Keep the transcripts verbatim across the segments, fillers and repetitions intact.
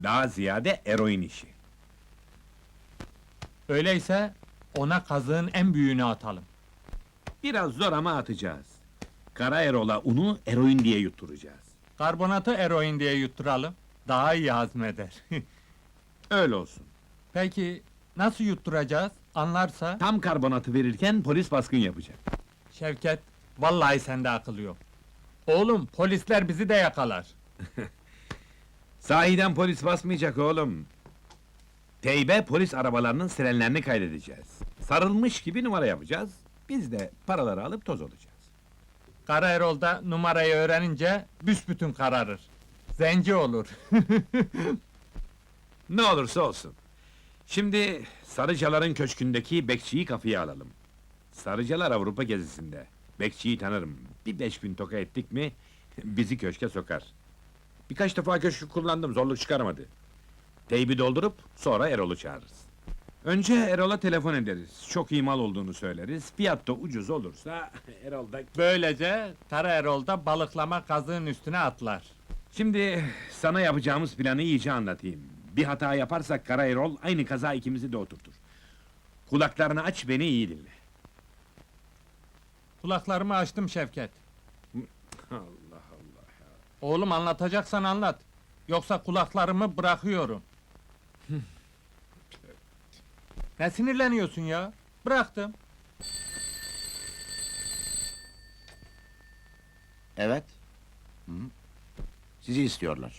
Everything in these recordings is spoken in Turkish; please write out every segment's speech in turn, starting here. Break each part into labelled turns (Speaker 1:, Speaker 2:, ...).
Speaker 1: Daha ziyade eroin işi.
Speaker 2: Öyleyse ona kazığın en büyüğünü atalım.
Speaker 1: Biraz zor ama atacağız. Kara Erol'a unu eroin diye yutturacağız.
Speaker 2: Karbonatı eroin diye yutturalım. Daha iyi hazmeder.
Speaker 1: Öyle olsun.
Speaker 2: Peki nasıl yutturacağız? Anlarsa?
Speaker 1: Tam karbonatı verirken polis baskın yapacak.
Speaker 2: Şevket, vallahi sende akıl yok. Oğlum, polisler bizi de yakalar.
Speaker 1: Sahiden polis basmayacak oğlum. Teybe polis arabalarının sirenlerini kaydedeceğiz. Sarılmış gibi numara yapacağız. Biz de paraları alıp toz olacağız.
Speaker 2: Kara Erol da numarayı öğrenince büsbütün kararır. Zenci olur.
Speaker 1: Ne olursa olsun. Şimdi Sarıcalar'ın köşkündeki bekçiyi kafaya alalım. Sarıcalar Avrupa gezisinde. Bekçiyi tanırım. Bir beş bin toka ettik mi bizi köşke sokar. Birkaç defa köşkü kullandım, zorluk çıkarmadı. Teybi doldurup sonra Erol'u çağırırız. Önce Erol'a telefon ederiz. Çok iyi mal olduğunu söyleriz. Fiyat da ucuz olursa Erol da...
Speaker 2: Böylece Kara Erol da balıklama kazığın üstüne atlar.
Speaker 1: Şimdi sana yapacağımız planı iyice anlatayım. Bir hata yaparsak Kara Erol aynı kaza ikimizi de oturtur. Kulaklarını aç, beni iyi dinle.
Speaker 2: Kulaklarımı açtım Şevket.
Speaker 1: Allah Allah ya.
Speaker 2: Oğlum anlatacaksan anlat. Yoksa kulaklarımı bırakıyorum. Ne sinirleniyorsun ya? Bıraktım.
Speaker 3: Evet. Hı. Sizi istiyorlar.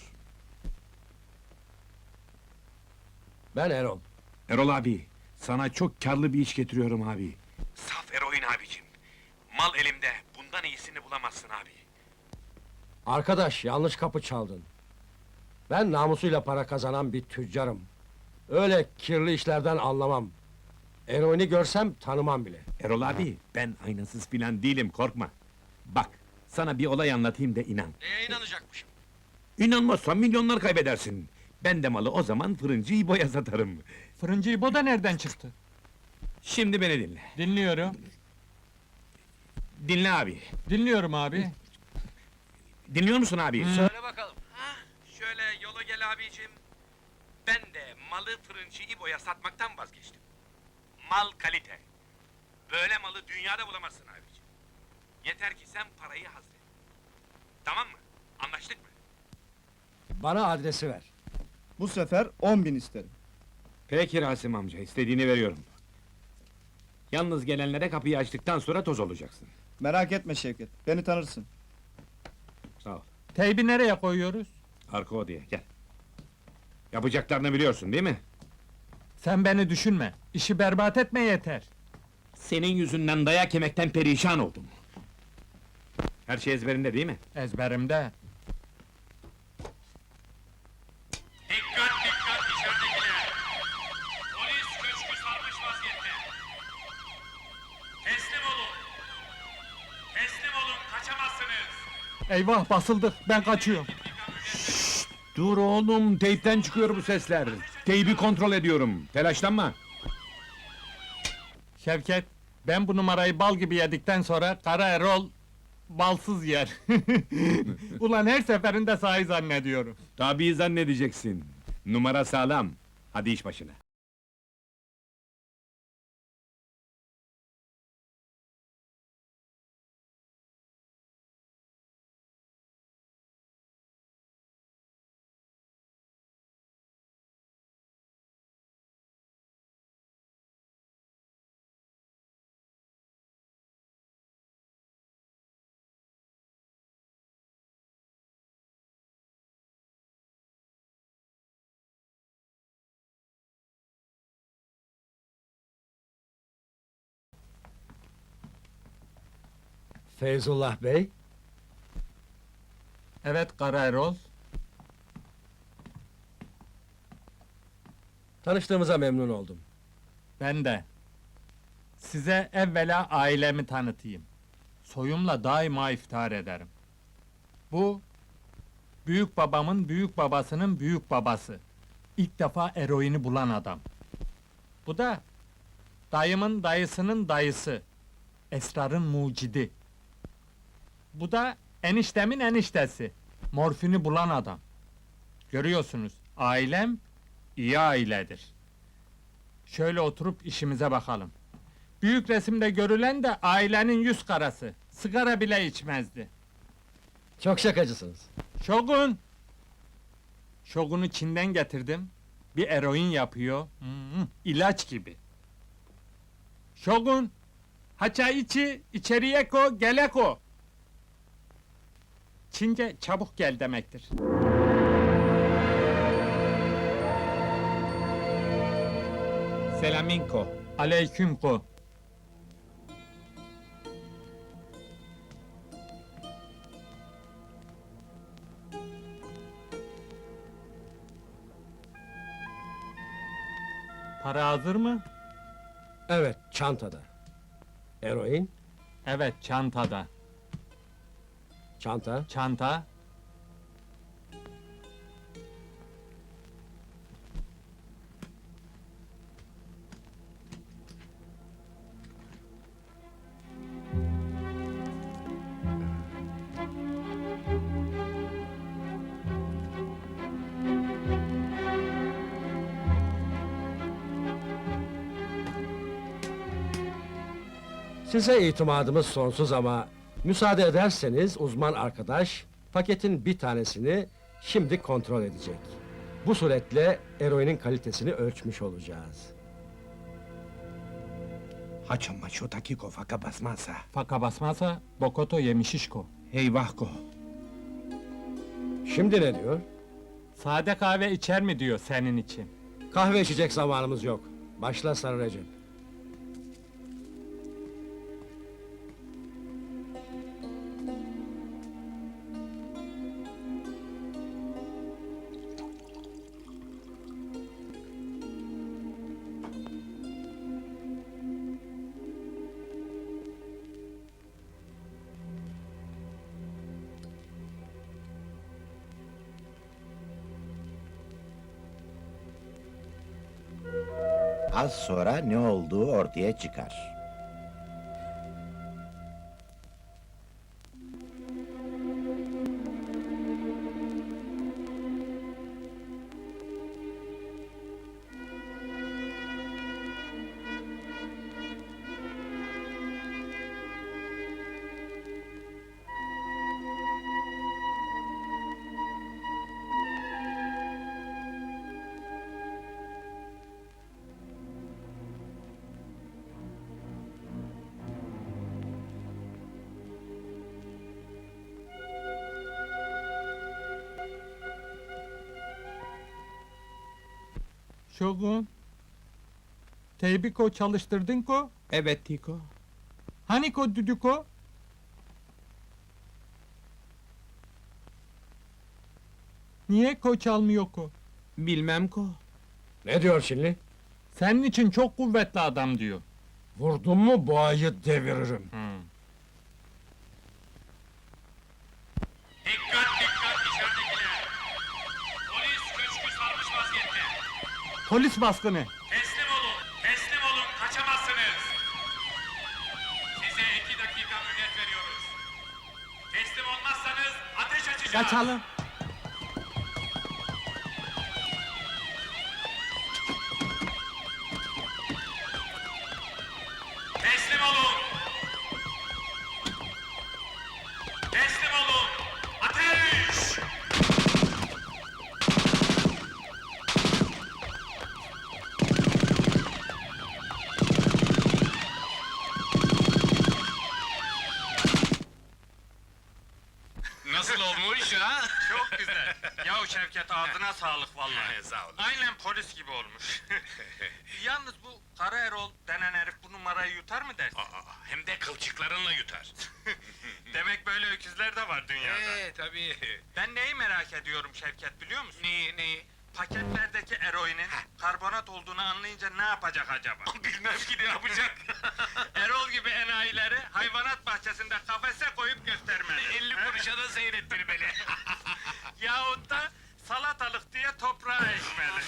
Speaker 4: Ben Erol.
Speaker 1: Erol abi, sana çok karlı bir iş getiriyorum abi. Saf eroin abicim. Mal elimde, bundan iyisini bulamazsın abi.
Speaker 4: Arkadaş, yanlış kapı çaldın. Ben namusuyla para kazanan bir tüccarım. Öyle kirli işlerden anlamam. Eroini görsem tanımam bile.
Speaker 1: Erol abi, ben aynasız filan değilim, korkma. Bak, sana bir olay anlatayım da inan.
Speaker 4: Neye inanacakmışım?
Speaker 1: İnanmazsan milyonlar kaybedersin. Ben de malı o zaman fırıncı İbo'ya satarım.
Speaker 2: Fırıncı İbo da nereden çıktı?
Speaker 1: Şimdi beni dinle.
Speaker 2: Dinliyorum.
Speaker 1: Dinle abi.
Speaker 2: Dinliyorum abi.
Speaker 1: Dinliyor musun abi?
Speaker 2: Hı.
Speaker 1: Söyle bakalım. Ha, şöyle yola gel abicim. Ben de malı fırıncı İbo'ya satmaktan vazgeçtim. Mal kalite. Böyle malı dünyada bulamazsın abicim. Yeter ki sen parayı hazret. Tamam mı? Anlaştık mı?
Speaker 4: Bana adresi ver.
Speaker 5: Bu sefer on bin isterim.
Speaker 1: Peki Rasim amca, istediğini veriyorum. Yalnız gelenlere kapıyı açtıktan sonra toz olacaksın.
Speaker 5: Merak etme Şevket, beni tanırsın.
Speaker 1: Sağ ol.
Speaker 2: Teybi nereye koyuyoruz?
Speaker 1: Arka odaya, gel. Yapacaklarını biliyorsun değil mi?
Speaker 2: Sen beni düşünme. İşi berbat etme yeter.
Speaker 1: Senin yüzünden dayak yemekten perişan oldum. Her şey ezberinde değil mi?
Speaker 2: Ezberimde.
Speaker 1: Dikkat dikkat içeridekiler! Polis köşkü sarmış vaziyette! Teslim olun! Teslim olun, kaçamazsınız!
Speaker 2: Eyvah basıldık. Ben kaçıyorum.
Speaker 1: Dur oğlum, teypten çıkıyor bu sesler. Teybi kontrol ediyorum, telaşlanma!
Speaker 2: Şevket, ben bu numarayı bal gibi yedikten sonra Kara Erol balsız yer. Ulan her seferinde sahi zannediyorum.
Speaker 1: Tabii zannedeceksin. Numara sağlam. Hadi iş başına.
Speaker 4: Feyzullah Bey,
Speaker 2: Evet Kara Erol.
Speaker 4: tanıştığımıza memnun oldum.
Speaker 2: Ben de. Size evvela ailemi tanıtayım. Soyumla daima iftihar ederim. Bu, büyük babamın büyük babasının büyük babası. İlk defa eroini bulan adam. Bu da, dayımın dayısının dayısı. Esrarın mucidi. Bu da, eniştemin eniştesi. Morfini bulan adam. Görüyorsunuz, Ailem iyi ailedir. Şöyle oturup işimize bakalım. Büyük resimde görülen de ailenin yüz karası. Sigara bile içmezdi.
Speaker 4: Çok şakacısınız.
Speaker 2: Şogun! Şogun'u Çin'den getirdim. Bir eroin yapıyor. Hmm, ilaç gibi. Şogun! Haça içi, içeriye ko, gele ko. Çince çabuk gel demektir.
Speaker 1: Selaminko.
Speaker 2: Aleyküm ko. Para hazır mı?
Speaker 4: Evet, çantada. Eroin,
Speaker 2: Evet, çantada.
Speaker 4: çanta.
Speaker 2: Çanta.
Speaker 4: Size itimadımız sonsuz ama müsaade ederseniz uzman arkadaş paketin bir tanesini şimdi kontrol edecek. Bu suretle eroinin kalitesini ölçmüş olacağız.
Speaker 6: Haço maço takiko faka basmazsa.
Speaker 2: Faka basmazsa bokoto yemişişko.
Speaker 6: Eyvah ko.
Speaker 4: Şimdi ne diyor?
Speaker 2: Sade kahve içer mi diyor senin için.
Speaker 4: Kahve içecek zamanımız yok. Başla Sarı Recep.
Speaker 3: Az sonra ne olduğu ortaya çıkar.
Speaker 2: Şogun. Teybi ko çalıştırdın ko?
Speaker 6: Evet Tiko.
Speaker 2: Hani ko düdüko? Niye ko çalmıyor ko?
Speaker 6: Bilmem ko.
Speaker 4: Ne diyor şimdi?
Speaker 2: Senin için çok kuvvetli adam diyor.
Speaker 4: Vurdum mu boğayı deviririm.
Speaker 2: Hmm.
Speaker 1: Dikkat dikkat dışarıdakiler! Polis köşkü sarmış vaziyette.
Speaker 2: Polis baskını.
Speaker 1: Teslim olun, teslim olun, kaçamazsınız. Size iki dakika mühlet veriyoruz. Teslim olmazsanız ateş açacağız.
Speaker 2: Kaçalım.
Speaker 1: Teslim olun. Teslim olun. Ateş! Nasıl olmuş ha?
Speaker 2: Çok güzel. Yahu Şevket ağzına sağlık vallahi.
Speaker 1: Sağ olun.
Speaker 2: Aynen polis gibi olmuş. Yalnız bu Kara Erol denen herif bu numarayı yutar mı dersin?
Speaker 1: Aa, hem de kılçıklarınla yutar.
Speaker 2: Demek böyle öküzler de var dünyada.
Speaker 1: Ee, tabii.
Speaker 2: Ben neyi merak ediyorum Şevket biliyor musun?
Speaker 1: Neyi, neyi?
Speaker 2: Paketlerdeki eroinin karbonat olduğunu anlayınca ne yapacak acaba?
Speaker 1: Bilmem ki ne yapacak.
Speaker 2: Erol gibi enayileri hayvanat bahçesinde kafese koyup göstermeli.
Speaker 1: elli kuruşa da seyrettirmeli.
Speaker 2: Yahut da salatalık diye toprağa ekmeli.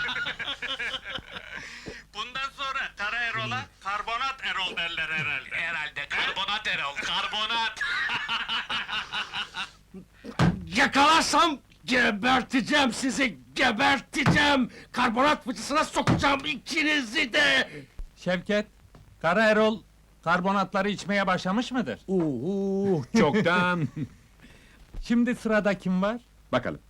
Speaker 2: Bundan sonra Kara Erol'a karbonat Erol derler herhalde.
Speaker 1: Herhalde karbonat Erol, karbonat.
Speaker 4: Yakalarsam Geberteceğim sizi, geberteceğim! Karbonat fıçısına sokacağım ikinizi de!
Speaker 2: Şevket, Kara Erol karbonatları içmeye başlamış mıdır?
Speaker 1: Uhu, çoktan.
Speaker 2: Şimdi sırada kim var?
Speaker 1: Bakalım.